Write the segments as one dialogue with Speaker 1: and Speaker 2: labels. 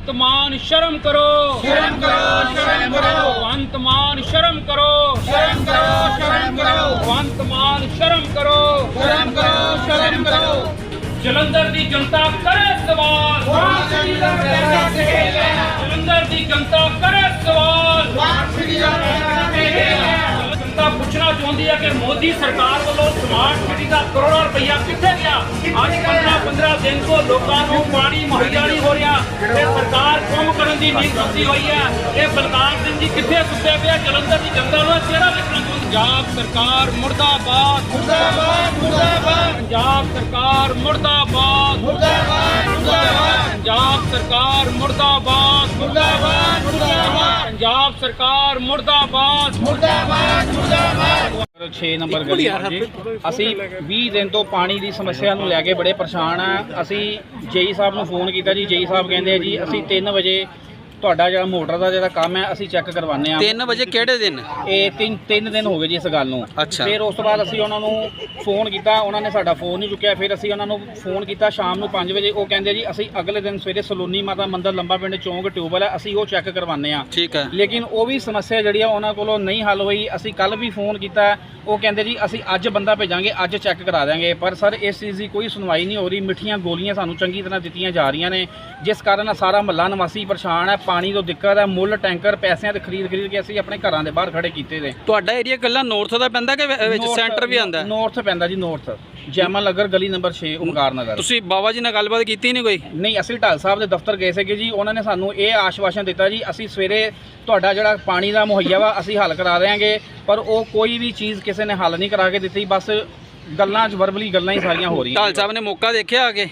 Speaker 1: भगवंत मान शर्म करो,
Speaker 2: शर्म करो, शर्म करो,
Speaker 1: भगवंत मान शर्म करो,
Speaker 2: शर्म करो, शर्म करो,
Speaker 1: भगवंत मान शर्म करो,
Speaker 2: शर्म करो, शर्म करो।
Speaker 1: जलंधर दी जनता करे सवाल, जलंधर दी जनता करे सवाल। जनता पूछना चाहती है कि मोदी सरकार वालों स्मार्ट सिटी का करोड़ों रुपया कितने गया। अज 15-15 दिन तो लोगों को पानी मुहैया नहीं हो रहा। ये सरकार काम करने की नींद सुती हुई है। ये बलकार सिंह जी कितने सुते पे जलंधर की जनता को चेहरा देखना चाहती। पंजाब सरकार मुर्दाबाद,
Speaker 2: मुर्दाबाद, मुर्दाबाद,
Speaker 1: पंजाब सरकार मुर्दाबाद,
Speaker 2: मुर्दाबाद, मुर्दाबाद,
Speaker 1: पंजाब सरकार मुर्दाबाद,
Speaker 2: मुर्दाबाद, मुर्दाबाद,
Speaker 1: पंजाब सरकार मुर्दाबाद,
Speaker 2: मुर्दाबाद, मुर्दाबाद।
Speaker 1: 6 नंबर गली जी ਅਸੀਂ 20 ਦਿਨ ਤੋਂ ਪਾਣੀ ਦੀ ਸਮੱਸਿਆ ਨੂੰ ਲੈ ਕੇ ਬੜੇ ਪਰੇਸ਼ਾਨ ਆ। ਅਸੀਂ ਜੇਈ ਸਾਹਿਬ ਨੂੰ ਫੋਨ ਕੀਤਾ ਜੀ, ਜੇਈ ਸਾਹਿਬ ਕਹਿੰਦੇ ਜੀ ਅਸੀਂ 3 ਵਜੇ ਤੁਹਾਡਾ ਜਿਹੜਾ ਮੋਟਰ ਦਾ ਜਿਹੜਾ ਕੰਮ ਹੈ ਅਸੀਂ ਚੈੱਕ ਕਰਵਾਉਂਦੇ ਆ।
Speaker 3: 3 ਵਜੇ ਕਿਹੜੇ ਦਿਨ?
Speaker 1: ਇਹ ਤਿੰਨ ਦਿਨ ਹੋ ਗਏ ਜੀ ਇਸ ਗੱਲ ਨੂੰ।
Speaker 3: ਅੱਛਾ।
Speaker 1: ਫਿਰ ਉਸ ਤੋਂ ਬਾਅਦ ਅਸੀਂ ਉਹਨਾਂ ਨੂੰ ਫੋਨ ਕੀਤਾ, ਉਹਨਾਂ ਨੇ ਸਾਡਾ ਫੋਨ ਨਹੀਂ ਚੁੱਕਿਆ। ਫਿਰ ਅਸੀਂ ਉਹਨਾਂ ਨੂੰ ਫੋਨ ਕੀਤਾ ਸ਼ਾਮ ਨੂੰ 5 ਵਜੇ। ਉਹ ਕਹਿੰਦੇ ਜੀ ਅਸੀਂ ਅਗਲੇ ਦਿਨ ਸਵੇਰੇ ਸਲੋਨੀ ਮਾਤਾ ਮੰਦਰ ਲੰਬਾ ਪਿੰਡ ਚੌਂਕ ਟਿਊਬਵੈੱਲ ਹੈ, ਅਸੀਂ ਉਹ ਚੈੱਕ ਕਰਵਾਉਂਦੇ ਆ।
Speaker 3: ਠੀਕ ਹੈ।
Speaker 1: ਲੇਕਿਨ ਉਹ ਵੀ ਸਮੱਸਿਆ ਜਿਹੜੀ ਆ ਉਹਨਾਂ ਕੋਲੋਂ ਨਹੀਂ ਹੱਲ ਹੋਈ। ਅਸੀਂ ਕੱਲ ਵੀ ਫੋਨ ਕੀਤਾ, ਉਹ ਕਹਿੰਦੇ ਜੀ ਅਸੀਂ ਅੱਜ ਬੰਦਾ ਭੇਜਾਂਗੇ, ਅੱਜ ਚੈੱਕ ਕਰਾ ਦਿਆਂਗੇ। ਪਰ ਸਰ ਇਸ ਚੀਜ਼ ਦੀ ਕੋਈ ਸੁਣਵਾਈ ਨਹੀਂ ਹੋ ਰਹੀ। ਮਿੱਠੀਆਂ ਗੋਲੀਆਂ ਸਾਨੂੰ ਚੰਗੀ ਤਰ੍ਹਾਂ ਦਿੱਤੀਆਂ ਜਾ ਰਹੀਆਂ ਨੇ, ਜਿਸ ਕਾਰਨ ਸਾਰਾ ਮਹੱਲਾ ਨਿਵਾਸੀ ਪਰੇਸ਼ਾਨ ਹੈ। ਪਾਣੀ ਤੋਂ ਦਿੱਕਤ ਹੈ, ਮੁੱਲ ਟੈਂਕਰ ਪੈਸਿਆਂ ਤੇ ਖਰੀਦ ਕੇ ਅਸੀਂ ਆਪਣੇ ਘਰਾਂ ਦੇ ਬਾਹਰ ਖੜੇ ਕੀਤੇ ਨੇ।
Speaker 3: ਤੁਹਾਡਾ ਏਰੀਆ ਕੱਲਾ ਨਾਰਥ ਦਾ ਪੈਂਦਾ ਕਿ ਵਿੱਚ ਸੈਂਟਰ ਵੀ ਆਂਦਾ?
Speaker 1: ਨਾਰਥ ਪੈਂਦਾ ਜੀ, ਨਾਰਥ ਜੈਮਲ ਨਗਰ ਗਲੀ ਨੰਬਰ 6 ਓਮਕਾਰ ਨਗਰ।
Speaker 3: ਤੁਸੀਂ ਬਾਬਾ ਜੀ ਨਾਲ ਗੱਲਬਾਤ ਕੀਤੀ ਨਹੀਂ ਕੋਈ?
Speaker 1: ਨਹੀਂ, ਅਸੀਂ ਢਾਲ ਸਾਹਿਬ ਦੇ ਦਫ਼ਤਰ ਗਏ ਸੀਗੇ ਜੀ। ਉਹਨਾਂ ਨੇ ਸਾਨੂੰ ਇਹ ਆਸ਼ਵਾਸਨ ਦਿੱਤਾ ਜੀ ਅਸੀਂ ਸਵੇਰੇ ਤੁਹਾਡਾ ਜਿਹੜਾ ਪਾਣੀ ਦਾ ਮੁਹੱਈਆ ਵਾ ਅਸੀਂ ਹੱਲ ਕਰਾ ਦੇਵਾਂਗੇ। ਪਰ ਉਹ ਕੋਈ ਵੀ ਚੀਜ਼ ਕਿਸੇ ਨੇ ਹੱਲ ਨਹੀਂ ਕਰਾ ਕੇ ਦਿੱਤੀ। ਬਸ ਗੱਲਾਂ 'ਚ ਵਰਬਲੀ ਗੱਲਾਂ ਹੀ ਸਾਰੀਆਂ ਹੋ ਰਹੀਆਂ।
Speaker 3: ਢਾਲ ਸਾਹਿਬ ਨੇ ਮੌਕਾ ਦੇਖਿਆ ਆ ਕੇ?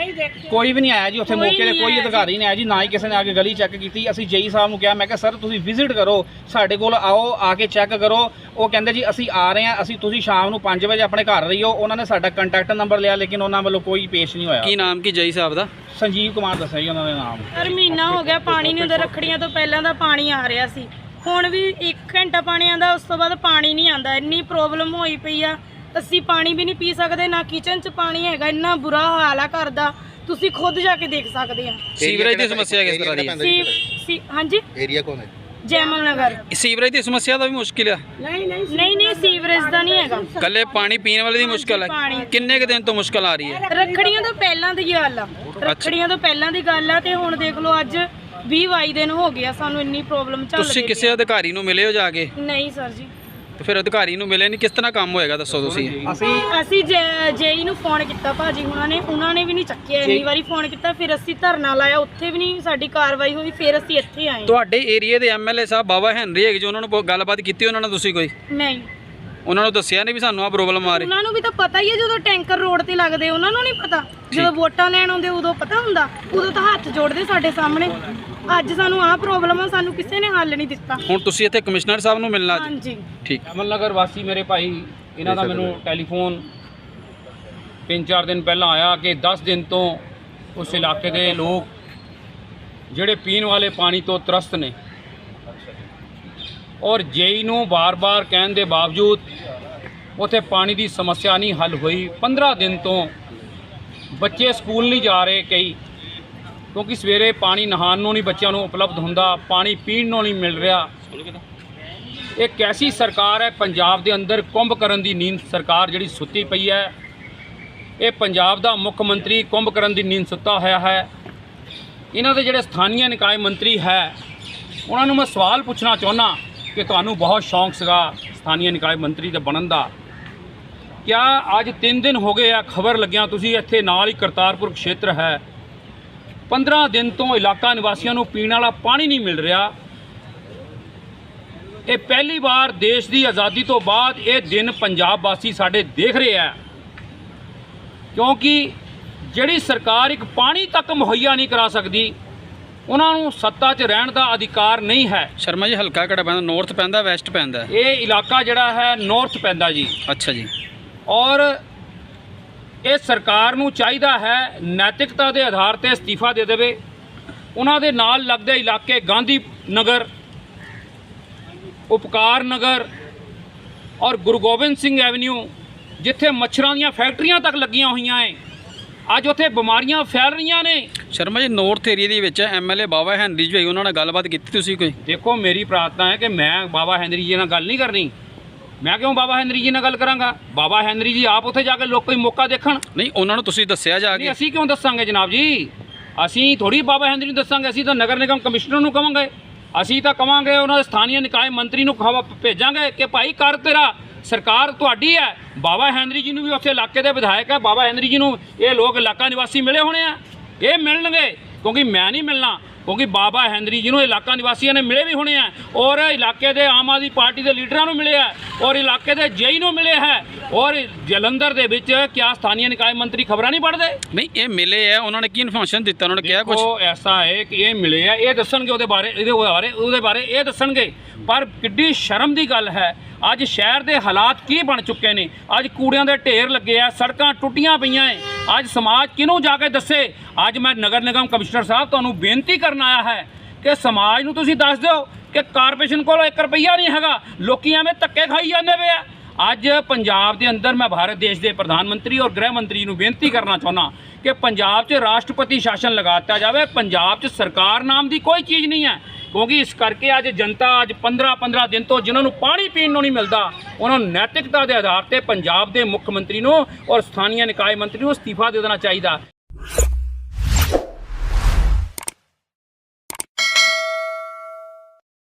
Speaker 1: ਕੋਈ ਵੀ ਨਹੀਂ ਆਇਆ ਜੀ ਉੱਥੇ ਮੌਕੇ ਤੇ, ਕੋਈ ਅਧਿਕਾਰੀ ਨਹੀਂ ਆਇਆ ਜੀ, ਨਾ ਹੀ ਕਿਸੇ ਨੇ ਆ ਕੇ ਗਲੀ ਚੈੱਕ ਕੀਤੀ। ਅਸੀਂ ਜੇਈ ਸਾਹਿਬ ਨੂੰ ਕਿਹਾ, ਮੈਂ ਕਿਹਾ ਸਰ ਤੁਸੀਂ ਵਿਜ਼ਿਟ ਕਰੋ, ਸਾਡੇ ਕੋਲ ਆਓ, ਆ ਕੇ ਚੈੱਕ ਕਰੋ। ਉਹ ਕਹਿੰਦੇ ਜੀ ਅਸੀਂ ਆ ਰਹੇ ਹਾਂ, ਅਸੀਂ ਤੁਸੀਂ ਸ਼ਾਮ ਨੂੰ 5 ਵਜੇ ਆਪਣੇ ਘਰ ਰਹੀਓ। ਉਹਨਾਂ ਨੇ ਸਾਡਾ ਕੰਟੈਕਟ ਨੰਬਰ ਲਿਆ, ਲੇਕਿਨ ਉਹਨਾਂ ਵੱਲੋਂ ਕੋਈ ਪੇਸ਼ ਨਹੀਂ ਹੋਇਆ।
Speaker 3: ਕੀ ਨਾਮ ਕੀ ਜੇਈ ਸਾਹਿਬ ਦਾ?
Speaker 1: ਸੰਜੀਵ ਕੁਮਾਰ ਦੱਸਿਆ ਜੀ ਉਹਨਾਂ ਦੇ ਨਾਮ।
Speaker 4: ਸਰ ਮਹੀਨਾ ਹੋ ਗਿਆ ਪਾਣੀ ਨਹੀਂ ਹੁੰਦਾ। ਰੱਖੜੀਆਂ ਤੋਂ ਪਹਿਲਾਂ ਦਾ ਪਾਣੀ ਆ ਰਿਹਾ ਸੀ, ਹੁਣ ਵੀ 1 ਘੰਟਾ ਪਾਣੀ ਆਂਦਾ, ਉਸ ਤੋਂ ਬਾਅਦ ਪਾਣੀ ਨਹੀਂ ਆਂਦਾ। ਇੰਨੀ ਪ੍ਰੋਬਲਮ ਹੋਈ ਪਈ ਆ, ਅਸੀਂ ਪਾਣੀ ਵੀ ਨਹੀਂ ਪੀ ਸਕਦੇ, ਨਾ ਕਿਚਨ 'ਚ ਪਾਣੀ ਹੈਗਾ। ਇੰਨਾ ਬੁਰਾ ਹਾਲ ਆ ਘਰ ਦਾ, ਤੁਸੀਂ ਖੁਦ ਜਾ ਕੇ ਦੇਖ ਸਕਦੇ ਆ।
Speaker 3: ਸੀਵਰੇਜ ਦੀ ਸਮੱਸਿਆ ਕਿਸ ਤਰ੍ਹਾਂ ਦੀ ਹੈ?
Speaker 4: ਹਾਂਜੀ,
Speaker 2: ਏਰੀਆ ਕੌਣ ਹੈ?
Speaker 4: ਜੈਮਲ ਨਗਰ।
Speaker 3: ਸੀਵਰੇਜ ਦੀ ਸਮੱਸਿਆ ਦਾ ਵੀ ਮੁਸ਼ਕਿਲ ਆ?
Speaker 4: ਨਹੀਂ ਸੀਵਰੇਜ ਦਾ ਨਹੀਂ ਹੈਗਾ,
Speaker 3: ਕੱਲੇ ਪਾਣੀ ਪੀਣ ਵਾਲੇ ਦੀ ਮੁਸ਼ਕਿਲ ਹੈ। ਕਿੰਨੇ ਕੁ ਦਿਨ ਤੋਂ ਮੁਸ਼ਕਿਲ ਆ ਰਹੀ ਹੈ?
Speaker 4: ਰੱਖੜੀਆਂ ਤੋਂ ਪਹਿਲਾਂ ਦੀ ਗੱਲ ਆ, ਰੱਖੜੀਆਂ ਤੋਂ ਪਹਿਲਾਂ ਦੀ ਗੱਲ ਆ। ਤੇ ਹੁਣ ਦੇਖ ਲਓ ਅੱਜ 20-22 ਦਿਨ ਹੋ ਗਿਆ ਸਾਨੂੰ ਇੰਨੀ ਪ੍ਰੋਬਲਮ ਚੱਲ ਰਹੀ ਹੈ।
Speaker 3: ਤੁਸੀਂ ਕਿਸੇ ਅਧਿਕਾਰੀ ਨੂੰ ਮਿਲੇ ਹੋ ਜਾ ਕੇ?
Speaker 4: ਨਹੀਂ ਸਰ ਜੀ।
Speaker 3: ਤੇ ਫਿਰ ਅਧਿਕਾਰੀ ਨੂੰ ਮਿਲੇ ਨਹੀਂ, ਕਿਸ ਤਰ੍ਹਾਂ ਕੰਮ ਹੋਏਗਾ ਦੱਸੋ ਤੁਸੀਂ?
Speaker 4: ਅਸੀਂ ਜੇਈ ਨੂੰ ਫੋਨ ਕੀਤਾ ਭਾਜੀ ਉਹਨਾਂ ਨੇ ਵੀ ਨਹੀਂ ਚੱਕਿਆ। ਇੰਨੀ ਵਾਰੀ ਫੋਨ ਕੀਤਾ, ਫਿਰ ਅਸੀਂ ਧਰਨਾ ਲਾਇਆ, ਉੱਥੇ ਵੀ ਨਹੀਂ ਸਾਡੀ ਕਾਰਵਾਈ ਹੋਈ। ਫਿਰ ਅਸੀਂ ਇੱਥੇ ਆਏ।
Speaker 3: ਤੁਹਾਡੇ ਏਰੀਆ ਦੇ ਐਮਐਲਏ ਸਾਹਿਬ ਬਾਬਾ ਹੈਨਰੀ ਹੈਗੇ ਜੀ, ਉਹਨਾਂ ਨੂੰ ਗੱਲਬਾਤ ਕੀਤੀ ਉਹਨਾਂ ਨਾਲ ਤੁਸੀਂ ਕੋਈ?
Speaker 4: ਨਹੀਂ,
Speaker 3: ਉਹਨਾਂ ਨੂੰ ਦੱਸਿਆ ਨਹੀਂ ਵੀ ਸਾਨੂੰ ਆ ਪ੍ਰੋਬਲਮ ਆ ਰਹੀ?
Speaker 4: ਉਹਨਾਂ ਨੂੰ ਵੀ ਤਾਂ ਪਤਾ ਹੀ ਹੈ, ਜਦੋਂ ਟੈਂਕਰ ਰੋਡ ਤੇ ਲੱਗਦੇ ਉਹਨਾਂ ਨੂੰ ਨਹੀਂ ਪਤਾ। ਜਦੋਂ ਵੋਟਾਂ ਲੈਣ ਆਉਂਦੇ ਉਦੋਂ ਪਤਾ ਹੁੰਦਾ, ਉਦੋਂ ਤਾਂ ਹੱਥ ਜੋੜਦੇ ਸਾਡੇ ਸਾਹਮਣੇ। ਅੱਜ ਸਾਨੂੰ ਆਹ ਪ੍ਰੋਬਲਮ ਆ, ਸਾਨੂੰ ਕਿਸੇ ਨੇ ਹੱਲ ਨਹੀਂ ਦਿੱਤਾ।
Speaker 3: ਹੁਣ ਤੁਸੀਂ ਇੱਥੇ ਕਮਿਸ਼ਨਰ ਸਾਹਿਬ ਨੂੰ ਮਿਲਣਾ?
Speaker 4: ਹਾਂਜੀ
Speaker 3: ਠੀਕ।
Speaker 1: ਅਮਲ ਨਗਰ ਵਾਸੀ ਮੇਰੇ ਭਾਈ, ਇਹਨਾਂ ਦਾ ਮੈਨੂੰ ਟੈਲੀਫੋਨ 3-4 ਦਿਨ ਪਹਿਲਾਂ ਆਇਆ ਕਿ 10 ਦਿਨ ਤੋਂ ਉਸ ਇਲਾਕੇ ਦੇ ਲੋਕ ਜਿਹੜੇ ਪੀਣ ਵਾਲੇ ਪਾਣੀ ਤੋਂ ਤਰਸਤ ਨੇ, ਔਰ ਜੇਈ ਨੂੰ ਬਾਰ-ਬਾਰ ਕਹਿਣ ਦੇ ਬਾਵਜੂਦ ਉੱਥੇ ਪਾਣੀ ਦੀ ਸਮੱਸਿਆ ਨਹੀਂ ਹੱਲ ਹੋਈ। 15 ਦਿਨ ਤੋਂ ਬੱਚੇ ਸਕੂਲ ਨਹੀਂ ਜਾ ਰਹੇ ਕਈ, ਕਿਉਂਕਿ ਸਵੇਰੇ ਪਾਣੀ ਨਹਾਉਣ ਨੂੰ ਨਹੀਂ ਬੱਚਿਆਂ ਨੂੰ ਉਪਲਬਧ ਹੁੰਦਾ, ਪਾਣੀ ਪੀਣ ਨੂੰ ਨਹੀਂ ਮਿਲ ਰਿਹਾ। ਇਹ ਕੈਸੀ ਸਰਕਾਰ ਹੈ? ਪੰਜਾਬ ਦੇ ਅੰਦਰ ਕੁੰਭ ਕਰਨ ਦੀ ਨੀਂਦ ਸਰਕਾਰ ਜਿਹੜੀ ਸੁੱਤੀ ਪਈ ਹੈ। ਇਹ ਪੰਜਾਬ ਦਾ ਮੁੱਖ ਮੰਤਰੀ ਕੁੰਭ ਕਰਨ ਦੀ ਨੀਂਦ ਸੁੱਤਾ ਹੋਇਆ ਹੈ। ਇਹਨਾਂ ਦੇ ਜਿਹੜੇ ਸਥਾਨੀय ਨਿਕਾਏ ਮੰਤਰੀ ਹੈ, ਉਹਨਾਂ ਨੂੰ ਮੈਂ ਸਵਾਲ ਪੁੱਛਣਾ ਚਾਹੁੰਦਾ ਕਿ ਤੁਹਾਨੂੰ ਬਹੁਤ ਸ਼ੌਂਕ ਸੀਗਾ ਸਥਾਨੀय ਨਿਕਾਏ ਮੰਤਰੀ ਦੇ ਬਣਨ ਦਾ। ਕਿਆ ਅੱਜ 3 ਦਿਨ ਹੋ ਗਏ ਆ ਖਬਰ ਲੱਗਿਆ ਤੁਸੀਂ ਇੱਥੇ ਨਾਲ ਹੀ ਕਰਤਾਰਪੁਰ ਖੇਤਰ ਹੈ, 15 ਦਿਨ ਤੋਂ ਇਲਾਕਾ ਨਿਵਾਸੀਆਂ ਨੂੰ ਪੀਣ ਵਾਲਾ ਪਾਣੀ ਨਹੀਂ ਮਿਲ ਰਿਹਾ। ਇਹ ਪਹਿਲੀ ਵਾਰ ਦੇਸ਼ ਦੀ ਆਜ਼ਾਦੀ ਤੋਂ ਬਾਅਦ ਇਹ ਦਿਨ ਪੰਜਾਬ ਵਾਸੀ ਸਾਡੇ ਦੇਖ ਰਹੇ ਆ, ਕਿਉਂਕਿ ਜਿਹੜੀ ਸਰਕਾਰ ਇੱਕ ਪਾਣੀ ਤੱਕ ਮੁਹੱਈਆ ਨਹੀਂ ਕਰਾ ਸਕਦੀ, ਉਹਨਾਂ ਨੂੰ ਸੱਤਾ 'ਚ ਰਹਿਣ ਦਾ ਅਧਿਕਾਰ ਨਹੀਂ ਹੈ।
Speaker 3: ਸ਼ਰਮਾ ਜੀ, ਹਲਕਾ ਕਿਹੜਾ ਪੈਂਦਾ? ਨਾਰਥ ਪੈਂਦਾ, ਵੈਸਟ ਪੈਂਦਾ?
Speaker 1: ਇਹ ਇਲਾਕਾ ਜਿਹੜਾ ਹੈ ਨਾਰਥ ਪੈਂਦਾ ਜੀ।
Speaker 3: ਅੱਛਾ ਜੀ।
Speaker 1: ਔਰ ਇਹ ਸਰਕਾਰ ਨੂੰ ਚਾਹੀਦਾ ਹੈ ਨੈਤਿਕਤਾ ਦੇ ਆਧਾਰ ਤੇ ਅਸਤੀਫਾ ਦੇ ਦੇਵੇ। ਉਹਨਾਂ ਦੇ ਨਾਲ ਲੱਗਦੇ ਇਲਾਕੇ ਗਾਂਧੀ ਨਗਰ, ਉਪਕਾਰ ਨਗਰ ਔਰ ਗੁਰੂ ਗੋਬਿੰਦ ਸਿੰਘ ਐਵਨਿਊ, ਜਿੱਥੇ ਮੱਛਰਾਂ ਦੀਆਂ ਫੈਕਟਰੀਆਂ ਤੱਕ ਲੱਗੀਆਂ ਹੋਈਆਂ ਹੈ, ਅੱਜ ਉੱਥੇ ਬਿਮਾਰੀਆਂ ਫੈਲ ਰਹੀਆਂ ਨੇ।
Speaker 3: ਸ਼ਰਮਾ ਜੀ, ਨਾਰਥ ਏਰੀਆ ਦੇ ਵਿੱਚ ਐਮਐਲਏ ਬਾਬਾ ਹੈਨਰੀ ਜੀ ਹੋਈ, ਉਹਨਾਂ ਨਾਲ ਗੱਲਬਾਤ ਕੀਤੀ ਤੁਸੀਂ ਕੋਈ?
Speaker 1: ਦੇਖੋ, ਮੇਰੀ ਪ੍ਰਾਰਥਨਾ ਹੈ ਕਿ ਮੈਂ ਬਾਬਾ ਹੈਨਰੀ ਜੀ ਨਾਲ ਗੱਲ ਨਹੀਂ ਕਰਨੀ। ਮੈਂ ਕਿਉਂ ਬਾਬਾ ਹੈਨਰੀ ਜੀ ਨਾਲ ਗੱਲ ਕਰਾਂਗਾ? ਬਾਬਾ ਹੈਨਰੀ ਜੀ ਆਪ ਉੱਥੇ ਜਾ ਕੇ ਲੋਕ ਕੋਈ ਮੌਕਾ ਦੇਖਣ।
Speaker 3: ਨਹੀਂ, ਉਹਨਾਂ ਨੂੰ ਤੁਸੀਂ ਦੱਸਿਆ ਜਾ
Speaker 1: ਨਹੀਂ,
Speaker 3: ਕੇ?
Speaker 1: ਅਸੀਂ ਕਿਉਂ ਦੱਸਾਂਗੇ ਜਨਾਬ ਜੀ? ਅਸੀਂ ਥੋੜੀ ਬਾਬਾ ਹੈਨਰੀ ਨੂੰ ਦੱਸਾਂਗੇ, ਅਸੀਂ ਤਾਂ ਨਗਰ ਨਿਗਮ ਕਮਿਸ਼ਨਰ ਨੂੰ ਕਵਾਂਗੇ। ਅਸੀਂ ਤਾਂ ਕਵਾਂਗੇ ਉਹਨਾਂ ਦੇ ਸਥਾਨੀ ਨਿਕਾਏ ਮੰਤਰੀ ਨੂੰ ਭੇਜਾਂਗੇ ਕਿ ਭਾਈ ਕਰ ਤੇਰਾ, ਸਰਕਾਰ ਤੁਹਾਡੀ ਹੈ। ਬਾਬਾ ਹੈਨਰੀ ਜੀ ਨੂੰ ਵੀ ਉੱਥੇ ਇਲਾਕੇ ਦੇ ਵਿਧਾਇਕ ਹੈ, ਬਾਬਾ ਹੈਨਰੀ ਜੀ ਨੂੰ ਇਹ ਲੋਕ ਇਲਾਕਾ ਨਿਵਾਸੀ ਮਿਲੇ ਹੋਣੇ ਆ, ਇਹ ਮਿਲਣਗੇ, ਕਿਉਂਕਿ ਮੈਂ ਨਹੀਂ ਮਿਲਣਾ, ਕਿਉਂਕਿ ਬਾਬਾ ਹੈਨਰੀ ਜੀ ਨੂੰ ਇਲਾਕਾ ਨਿਵਾਸੀਆਂ ਨੇ ਮਿਲੇ ਵੀ ਹੋਣੇ ਆ, ਔਰ ਇਲਾਕੇ ਦੇ ਆਮ ਆਦਮੀ ਪਾਰਟੀ ਦੇ ਲੀਡਰਾਂ ਨੂੰ ਮਿਲੇ ਆ, ਔਰ ਇਲਾਕੇ ਦੇ ਜੇਈ ਨੂੰ ਮਿਲੇ ਹੈ, ਔਰ ਜਲੰਧਰ ਦੇ ਵਿੱਚ ਕਿਆ ਸਥਾਨੀ ਨਿਕਾਏ ਮੰਤਰੀ ਖਬਰਾਂ ਨਹੀਂ ਪੜ੍ਹਦੇ?
Speaker 3: ਨਹੀਂ, ਇਹ ਮਿਲੇ ਆ, ਉਹਨਾਂ ਨੇ ਕੀ ਇਨਫੋਰਮੇਸ਼ਨ ਦਿੱਤਾ? ਉਹਨਾਂ ਨੇ ਕਿਹਾ ਕੁਝ?
Speaker 1: ਉਹ ਐਸਾ ਹੈ ਕਿ ਇਹ ਮਿਲੇ ਆ, ਇਹ ਦੱਸਣਗੇ ਉਹਦੇ ਬਾਰੇ ਇਹ ਦੱਸਣਗੇ। ਪਰ ਕਿੱਡੀ ਸ਼ਰਮ ਦੀ ਗੱਲ ਹੈ, ਅੱਜ ਸ਼ਹਿਰ ਦੇ ਹਾਲਾਤ ਕੀ ਬਣ ਚੁੱਕੇ ਨੇ। ਅੱਜ ਕੂੜਿਆਂ ਦੇ ਢੇਰ ਲੱਗੇ ਆ, ਸੜਕਾਂ ਟੁੱਟੀਆਂ ਪਈਆਂ ਏ। ਅੱਜ ਸਮਾਜ ਕਿਹਨੂੰ ਜਾ ਕੇ ਦੱਸੇ? ਅੱਜ ਮੈਂ ਨਗਰ ਨਿਗਮ ਕਮਿਸ਼ਨਰ ਸਾਹਿਬ ਤੁਹਾਨੂੰ ਬੇਨਤੀ ਕਰਨ ਆਇਆ ਹੈ ਕਿ ਸਮਾਜ ਨੂੰ ਤੁਸੀਂ ਦੱਸ ਦਿਓ ਕਿ ਕਾਰਪੋਰੇਸ਼ਨ ਕੋਲ 1 ਰੁਪਈਆ ਨਹੀਂ ਹੈਗਾ, ਲੋਕੀ ਐਵੇਂ ਧੱਕੇ ਖਾਈ ਜਾਂਦੇ ਪਏ ਆ। ਅੱਜ ਪੰਜਾਬ ਦੇ ਅੰਦਰ ਮੈਂ ਭਾਰਤ ਦੇਸ਼ ਦੇ ਪ੍ਰਧਾਨ ਮੰਤਰੀ ਔਰ ਗ੍ਰਹਿ ਮੰਤਰੀ ਨੂੰ ਬੇਨਤੀ ਕਰਨਾ ਚਾਹੁੰਦਾ ਕਿ ਪੰਜਾਬ 'ਚ ਰਾਸ਼ਟਰਪਤੀ ਸ਼ਾਸਨ ਲਗਾ ਦਿੱਤਾ ਜਾਵੇ। ਪੰਜਾਬ 'ਚ ਸਰਕਾਰ ਨਾਮ ਦੀ ਕੋਈ ਚੀਜ਼ ਨਹੀਂ ਹੈ, ਕਿਉਂਕਿ ਇਸ ਕਰਕੇ ਅੱਜ ਜਨਤਾ ਅੱਜ 15 ਦਿਨ ਤੋਂ ਜਿਨ੍ਹਾਂ ਨੂੰ ਪਾਣੀ ਪੀਣ ਨੂੰ ਨਹੀਂ ਮਿਲਦਾ, ਉਹਨਾਂ ਨੂੰ ਨੈਤਿਕਤਾ ਦੇ ਆਧਾਰ ਤੇ ਪੰਜਾਬ ਦੇ ਮੁੱਖ ਮੰਤਰੀ ਨੂੰ ਔਰ ਸਥਾਨੀ ਨਿਕਾਏ ਮੰਤਰੀ ਨੂੰ ਅਸਤੀਫਾ ਦੇ ਦੇਣਾ ਚਾਹੀਦਾ।